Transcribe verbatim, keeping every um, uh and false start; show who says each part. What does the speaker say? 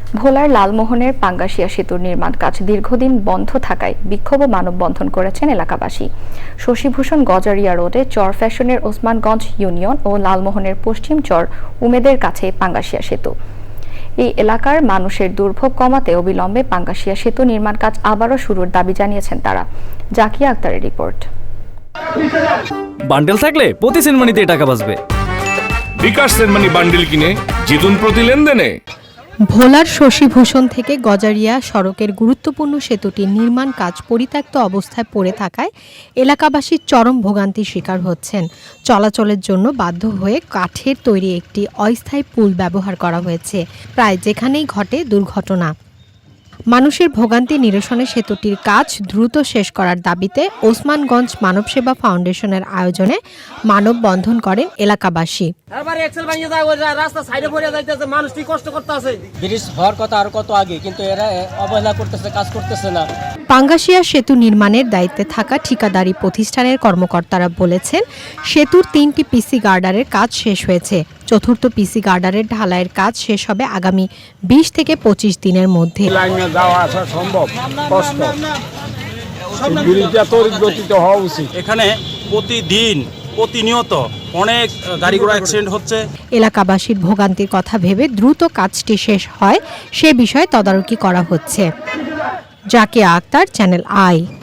Speaker 1: ভোলার লালমোহনের পাঙ্গাশিয়া সেতুর নির্মাণ কাজ দীর্ঘদিন বন্ধ থাকায় বিক্ষোভ ও মানববন্ধন করেছেন এলাকাবাসী। শশীভূষণ গজারিয়া রোডে চর ফ্যাশনের ওসমানগঞ্জ ইউনিয়ন ও লালমোহনের পশ্চিম চর উমেদের কাছে পাঙ্গাশিয়া সেতু। এই এলাকার মানুষের দুর্ভোগ কমাতে অবিলম্বে পাঙ্গাশিয়া সেতু নির্মাণ কাজ আবারও শুরুর দাবি জানিয়েছেন তারা। জাকিয়া আক্তারের রিপোর্ট।
Speaker 2: বান্ডেল থাকলে প্রতি সেনমানিতে টাকা বাঁচবে।
Speaker 3: বিকাশ সেনমানি বান্ডেল কিনে জিতুন প্রতি লেনদেনে।
Speaker 4: ভোলার শশীভূষণ থেকে গজারিয়া সড়কের গুরুত্বপূর্ণ সেতুটির নির্মাণ কাজ পরিত্যক্ত অবস্থায় পড়ে থাকায় এলাকাবাসী চরম ভোগান্তির শিকার হচ্ছেন। চলাচলের জন্য বাধ্য হয়ে কাঠের তৈরি একটি অস্থায়ী পুল ব্যবহার করা হয়েছে, প্রায় যেখানেই ঘটে দুর্ঘটনা। মানুষের ভোগান্তি নিরসনে সেতুটির কাজ দ্রুত শেষ করার দাবিতে ওসমানগঞ্জ মানবসেবা ফাউন্ডেশনের আয়োজনে মানববন্ধন করেন এলাকাবাসী।
Speaker 5: ব্রিজ হওয়ার কথা আর কত আগে, কিন্তু এরা অবহেলা করতেছে, কাজ করতেছে না।
Speaker 4: পাঙ্গাশিয়া সেতু নির্মাণের দায়িত্বে থাকা ঠিকাদারি প্রতিষ্ঠানের কর্মকর্তারা বলেছেন, সেতুর তিনটি পিসি গার্ডারের কাজ শেষ হয়েছে। চতুর্থ পিসি গার্ডারের ঢালাইয়ের কাজ শেষ হবে আগামী বিশ থেকে পঁচিশ দিনের মধ্যে।
Speaker 6: লাইনে যাওয়া আসা সম্ভব কষ্ট, ব্রিজটা তড়িৎ গতিতে হওয়া উচিত।
Speaker 7: এখানে প্রতিদিন প্রতিনিয়ত অনেক গাড়ি ঘোড়া অ্যাক্সিডেন্ট হচ্ছে।
Speaker 4: এলাকাবাসীর ভোগান্তির কথা ভেবে দ্রুত কাজটি শেষ হয় সে বিষয়ে তদারকি করা হচ্ছে। Zakia Akter, Channel I.